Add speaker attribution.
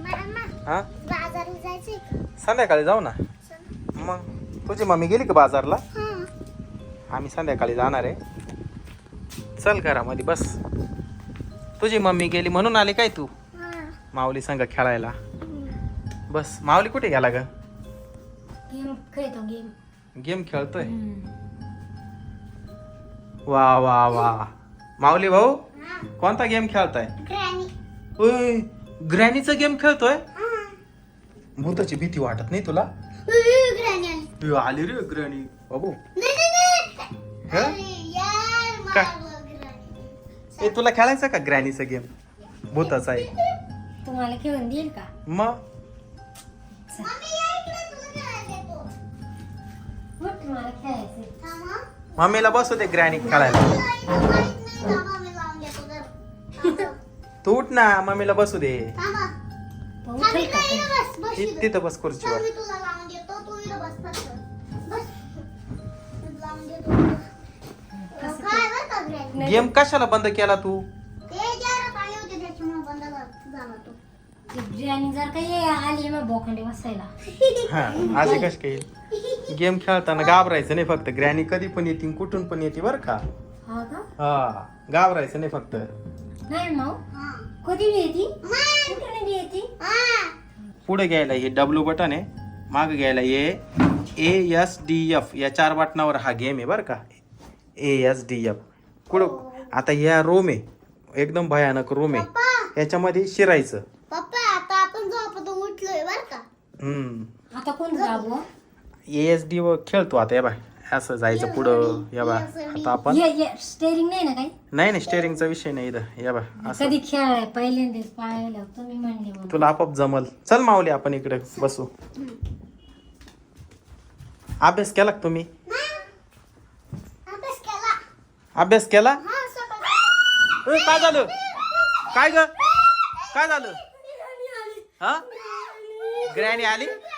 Speaker 1: हा
Speaker 2: बाजारात जायचंय का?
Speaker 1: संध्याकाळी जाऊ ना. मग तुझी मम्मी गेली का बाजारला? आम्ही संध्याकाळी जाणार आहे. चल घरामध्ये बस. तुझी मम्मी गेली म्हणून आली काय तू माऊली संग खेळायला? बस. माऊली कुठे गेला ग?
Speaker 2: गेम खेळतो गेम.
Speaker 1: गेम खेळतोय. वा वा वा. माऊली भाऊ कोणता गेम खेळताय? ओय ग्रॅनीचा गेम खेळतोय. भूताची भीती वाटत नाही तुला? आली रे ग्रॅनी बाबू. ए तुला खेळायचा का ग्रॅनीचा गेम? भूताचा आहे.
Speaker 2: तुम्हाला खेळून देईल का?
Speaker 1: मग
Speaker 2: तुम्हाला खेळायचं.
Speaker 1: मम्मीला बसू दे ग्रॅनी खेळायला. तू उठ ना मम्मीला बसू दे. तिथं बस खुर्चीवर. गेम कशाला बंद केला तू?
Speaker 2: बिर्याणी जर काही आली मग बोखंडे बसायला.
Speaker 1: हा आजी कश काही गेम खेळताना घाबरायचं नाही फक्त. ग्रॅनी कधी पण येते कुठून पण येते बर का.
Speaker 2: हा का?
Speaker 1: हा घाबरायचं नाही फक्त.
Speaker 2: नाही मग कधी बी येते कुठे बी येते.
Speaker 1: पुढे घ्यायला हे डब्ल्यू बटन आहे. मागे घ्यायला ASDF या 4 बटनावर हा गेम आहे बर का. ASDF कुठं आता या रूम आहे. एकदम भयानक रूम आहे. याच्यामध्ये शिरायचं.
Speaker 2: पप्पा आता आपण झोपतो उठलोय बर का.
Speaker 1: आता
Speaker 2: कोण जागो?
Speaker 1: ASD वर खेळतो आता. या बाय असं जायचं पुढं. या बा आता आपण
Speaker 2: स्टेरिंग नाही ना काही?
Speaker 1: नाही स्टेअरिंगचा विषय नाही इथं. या बा असं
Speaker 2: कधी खेळाय पहिल्यांदाच पाहायला तुम्ही म्हणले मग.
Speaker 1: तुला आपोआप जमल. चल माऊली आपण इकडे बसू. अभ्यास केला का तुम्ही? अभ्यास केला? काय झालं? काय ग? काय झालं? हा ग्रॅनी आली.